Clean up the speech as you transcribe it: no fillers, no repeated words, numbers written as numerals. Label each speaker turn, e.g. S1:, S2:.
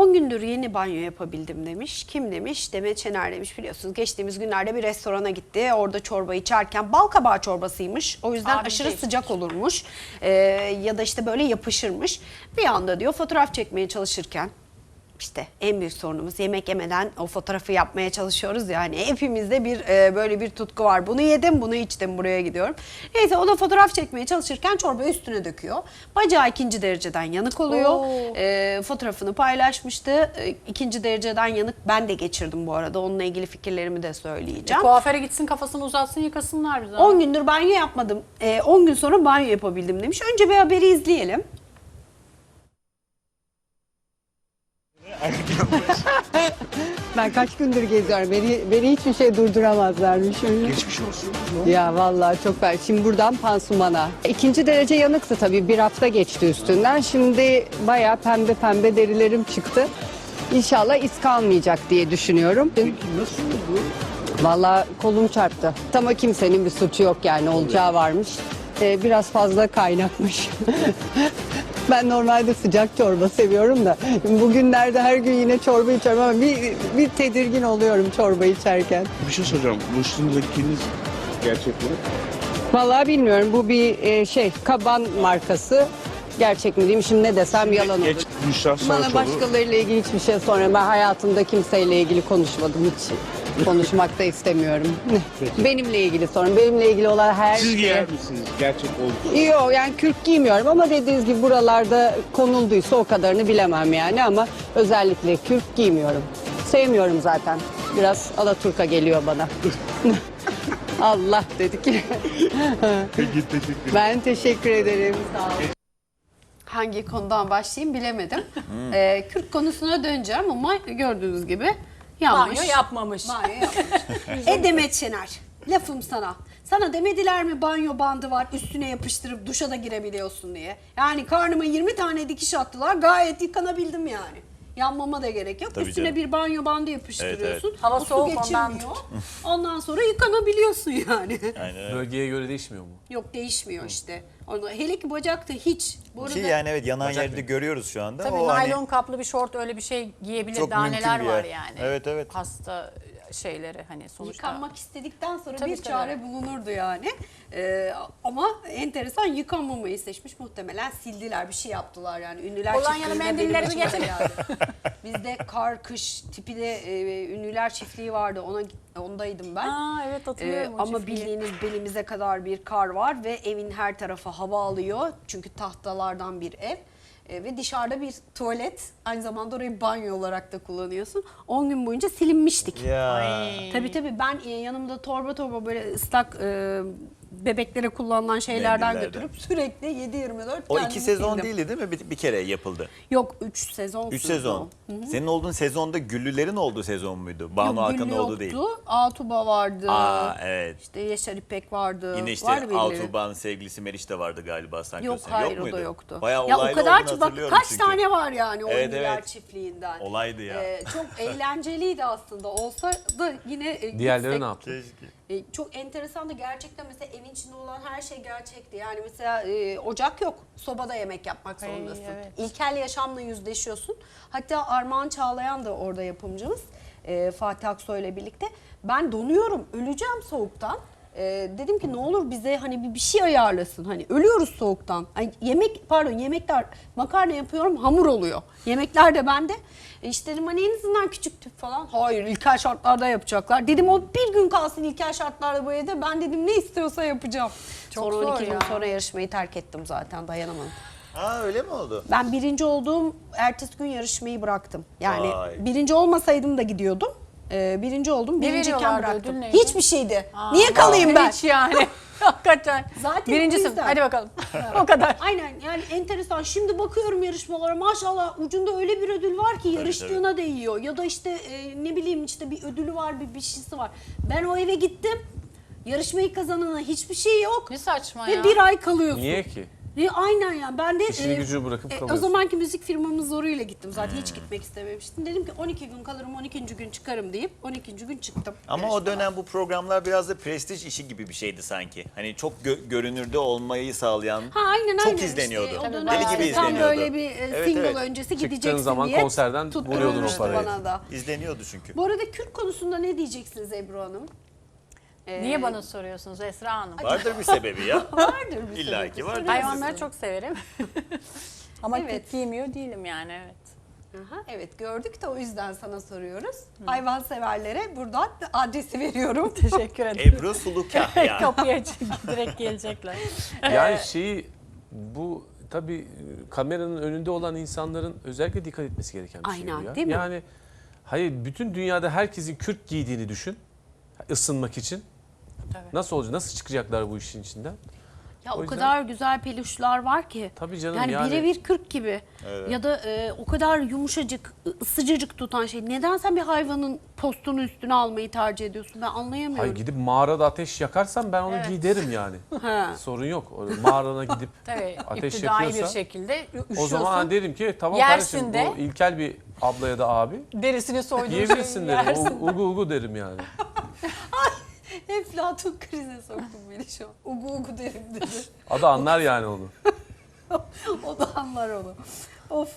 S1: 10 gündür yeni banyo yapabildim demiş. Kim demiş? Demet Şener demiş. Biliyorsunuz geçtiğimiz günlerde bir restorana gitti. Orada çorba içerken bal kabağı çorbasıymış. O yüzden aşırı sıcak olurmuş. Ya da işte böyle yapışırmış. Bir anda diyor fotoğraf çekmeye çalışırken, İşte en büyük sorunumuz yemek yemeden o fotoğrafı yapmaya çalışıyoruz yani hepimizde bir böyle bir tutku var. Bunu yedim, bunu içtim, buraya gidiyorum. Neyse o da fotoğraf çekmeye çalışırken çorbayı üstüne döküyor. Bacağı 2. dereceden yanık oluyor. Fotoğrafını paylaşmıştı. 2. dereceden yanık ben de geçirdim bu arada. Onunla ilgili fikirlerimi de söyleyeceğim.
S2: Kuaföre gitsin, kafasını uzatsın, yıkasınlar bize.
S1: 10 gündür banyo yapmadım. 10 gün sonra banyo yapabildim demiş. Önce bir haberi izleyelim.
S3: Ben kaç gündür geziyorum. Beni hiçbir şey durduramazlarmış.
S4: Geçmiş olsun.
S3: Ya vallahi çok ben. Şimdi buradan pansumana. 2. derece yanıktı tabii. Bir hafta geçti üstünden. Şimdi bayağı pembe pembe derilerim çıktı. İnşallah iz kalmayacak diye düşünüyorum.
S4: Peki nasıl oldu?
S3: Vallahi kolum çarptı. Ama kimsenin bir suçu yok yani olacağı varmış. Biraz fazla kaynakmış. Ben normalde sıcak çorba seviyorum da bugünlerde her gün yine çorba içiyorum ama bir tedirgin oluyorum çorba içerken.
S4: Bir şey soracağım. Bu üstündekiniz gerçek mi?
S3: Vallahi bilmiyorum, bu bir kaban markası. Gerçek mi diyeyim şimdi, ne desem yalan olur.
S4: Geç Büşra
S3: Bana
S4: Saraçoğlu.
S3: başkalarıyla ilgili hiçbir şey sormuyorum. Ben hayatımda kimseyle ilgili konuşmadım hiç. Konuşmak da istemiyorum. Benimle ilgili sorun. Benimle ilgili olan her
S4: Siz
S3: şey.
S4: giyer misiniz? Gerçek oldu.
S3: Yok yani kürk giymiyorum ama dediğiniz gibi buralarda konulduysa o kadarını bilemem yani, ama özellikle kürk giymiyorum. Sevmiyorum zaten. Biraz Alaturka geliyor bana. Allah dedik.
S4: Peki teşekkür ederim.
S3: Ben teşekkür ederim. Sağ olun.
S1: Hangi konudan başlayayım bilemedim. Kürk konusuna döneceğim ama gördüğünüz gibi yanlış.
S2: Banyo yapmamış.
S1: Banyo yapmamış. Demet Şener, lafım sana. Sana demediler mi banyo bandı var üstüne yapıştırıp duşa da girebiliyorsun diye. Yani karnıma 20 tane dikiş attılar, gayet yıkanabildim yani. Yanmama da gerek yok.
S5: Tabii
S1: Üstüne
S5: canım.
S1: bir banyo bandı yapıştırıyorsun.
S5: Evet.
S2: Hava
S1: O su
S2: soğuk, ondan.
S1: geçirmiyor. Ondan sonra yıkanabiliyorsun yani.
S5: Aynen öyle.
S6: Bölgeye göre değişmiyor mu?
S1: Yok değişmiyor işte. Hele ki bacakta hiç. Bu arada
S5: Ki yani evet yanan yerde görüyoruz şu anda.
S2: Tabii
S5: o
S2: naylon
S5: hani
S2: kaplı bir şort, öyle bir şey giyebilir,
S5: çok
S2: daha
S5: mümkün
S2: neler
S5: bir
S2: var
S5: yer.
S2: yani.
S5: Evet, evet.
S2: Hasta şeyleri hani sonuçta.
S1: yıkanmak istedikten sonra
S2: Tabii,
S1: bir
S2: tabii.
S1: çare bulunurdu yani. Ama enteresan yıkanmamayı seçmiş, muhtemelen sildiler, bir şey yaptılar yani. Ünlüler
S2: Polonyalı
S1: çiftliğinde
S2: mendilleri
S1: benim
S2: mi
S1: başıma
S2: getirdin?
S1: geldi. Bizde kar, kış tipi de ünlüler çiftliği vardı. Ondaydım ben.
S2: Aa, evet hatırlıyorum o
S1: Ama
S2: çiftliği.
S1: bildiğiniz belimize kadar bir kar var ve evin her tarafı hava alıyor. Çünkü tahtalardan bir ev. Ve dışarıda bir tuvalet, aynı zamanda orayı banyo olarak da kullanıyorsun. 10 gün boyunca silinmiştik.
S5: ya
S1: Tabii ben yanımda torba böyle ıslak bebeklere kullanılan şeylerden
S5: Mendillerden.
S1: götürüp sürekli 7/24
S5: o
S1: kendimi
S5: 2 sezon
S1: sildim.
S5: değildi değil mi? Bir kere yapıldı.
S1: Yok 3 sezon
S5: 3
S1: sürdü
S5: sezon.
S1: o.
S5: Senin olduğun sezonda Güllülerin olduğu sezon muydu? Banu
S1: Yok,
S5: Hakan'ın
S1: Güllü
S5: olduğu değil.
S1: yoktu. Atuba vardı.
S5: Aa evet.
S1: İşte Yaşar İpek vardı.
S5: Yine işte
S1: Vardı birileri.
S5: Altuba'nın sevgilisi Meriç de vardı galiba sanki.
S1: Yok
S5: sene.
S1: hayır,
S5: muydu?
S1: o da yoktu.
S5: Bayağı
S1: ya o
S5: olaylı
S1: kadar
S5: olduğunu
S1: ki bak
S5: hatırlıyorum
S1: kaç
S5: çünkü.
S1: tane var yani o
S5: Evet,
S1: ünlüler
S5: evet.
S1: çiftliğinden.
S5: Olaydı ya.
S1: Çok eğlenceliydi aslında. Olsa da yine
S6: Diğerleri
S1: gitsek.
S6: ne yaptı?
S5: Keşke.
S1: Çok enteresan da gerçekten mesela evin içinde olan her şey gerçekti. Yani mesela ocak yok. Sobada yemek yapmak
S2: Ay,
S1: zorundasın.
S2: evet.
S1: İlkel yaşamla yüzleşiyorsun. Hatta Armağan Çağlayan da orada yapımcımız. Fatih Aksoy ile birlikte. Ben donuyorum. Öleceğim soğuktan. Dedim ki ne olur bize hani bir şey ayarlasın. Hani ölüyoruz soğuktan. Hani yemekler, makarna yapıyorum, hamur oluyor. Yemekler de bende. İşte dedim hani en azından küçük tüp falan. Hayır, ilkel şartlarda yapacaklar. Dedim o bir gün kalsın ilkel şartlarda bu evde. Ben dedim ne istiyorsa yapacağım.
S2: Çok
S1: Sonra
S2: zor
S1: 12 gün
S2: ya.
S1: sonra yarışmayı terk ettim zaten, dayanamadım.
S5: Aa öyle mi oldu?
S1: Ben birinci olduğum ertesi gün yarışmayı bıraktım. Yani
S5: Vay.
S1: birinci olmasaydım da gidiyordum. Birinci oldum.
S2: Ne
S1: Birinciyken
S2: veriyorlardı,
S1: bıraktım.
S2: ödül neydi?
S1: Hiçbir şeydi. Niye kalayım ben?
S2: Hiç yani. Hakikaten.
S1: Zaten
S2: Birincisin.
S1: bu yüzden.
S2: Hadi bakalım. O kadar.
S1: Aynen, yani enteresan. Şimdi bakıyorum yarışmalara, maşallah ucunda öyle bir ödül var ki yarıştığına değiyor. Ya da işte ne bileyim işte bir ödülü var, bir şeysi var. Ben o eve gittim. Yarışmayı kazanana hiçbir şey yok.
S2: Ne saçma
S1: Ve
S2: ya.
S1: bir ay kalıyorsun.
S6: Niye ki?
S1: Aynen ya. Ben de
S6: İşini gücünü bırakıp
S1: o
S6: kalıyorsun.
S1: zamanki müzik firmamın zoruyla gittim. Zaten hiç gitmek istememiştim. Dedim ki 12 gün kalırım, 12. gün çıkarım deyip 12. gün çıktım.
S5: Ama o dönem bu programlar biraz da prestij işi gibi bir şeydi sanki. Hani çok görünürde olmayı sağlayan,
S1: Aynen
S5: çok
S1: aynen.
S5: izleniyordu.
S1: İşte o
S5: Deli
S1: dönem
S5: gibi
S1: tam
S5: izleniyordu.
S1: böyle bir
S5: Evet,
S1: single
S5: evet.
S1: öncesi
S6: Çıktığın
S1: gideceksin
S6: zaman
S1: diye
S6: konserden vuruyordun o
S1: tutturmuştu
S6: parayı.
S1: bana da.
S5: İzleniyordu çünkü.
S1: Bu arada Kürt konusunda ne diyeceksiniz Ebru Hanım?
S2: Niye bana soruyorsunuz Esra Hanım?
S5: Vardır bir sebebi ya.
S1: Vardır bir
S5: İlla
S1: sebebi.
S5: ki vardır.
S2: Hayvanları çok severim. Ama
S1: Evet.
S2: evet. Giymiyor değilim yani evet.
S1: Aha, evet gördük de o yüzden sana soruyoruz. Hayvan severlere buradan adresi veriyorum.
S2: Teşekkür ederim.
S5: Ebru Sulukah yani.
S2: Kapıya direkt gelecekler.
S6: Yani bu tabii kameranın önünde olan insanların özellikle dikkat etmesi gereken bir şey
S1: Aynen,
S6: bu ya.
S1: değil mi?
S6: Yani hayır, bütün dünyada herkesin kürk giydiğini düşün. Isınmak için.
S2: Evet.
S6: Nasıl olacak? Nasıl çıkacaklar bu işin içinden?
S1: Ya o
S6: O yüzden-
S1: kadar güzel peluşlar var ki.
S6: Tabii canım,
S1: Yani
S6: yani-
S1: birebir 40 gibi. Ya da o kadar yumuşacık, sıcacık tutan şey. Neden sen bir hayvanın postunu üstüne almayı tercih ediyorsun? Ben anlayamıyorum.
S6: Hayır, gidip mağarada ateş yakarsam ben onu
S2: Evet.
S6: giderim yani.
S1: Ha.
S6: Sorun yok. Öyle mağarana gidip
S2: Tabii
S6: ateş
S2: iptidai bir
S6: yakıyorsa
S2: şekilde üşüyorsun.
S6: o zaman derim ki tamam
S2: Yersin
S6: kardeşim,
S2: de.
S6: bu ilkel bir abla ya da abi.
S2: derisini soyduğun
S6: Yiyebilirsin
S2: şeyi
S6: derim.
S2: yersin.
S6: Ugu ugu derim yani.
S1: Eflatun krize soktun beni şu an. Ugu ugu derim dedi.
S6: Adı anlar yani onu.
S1: O da anlar onu. Of.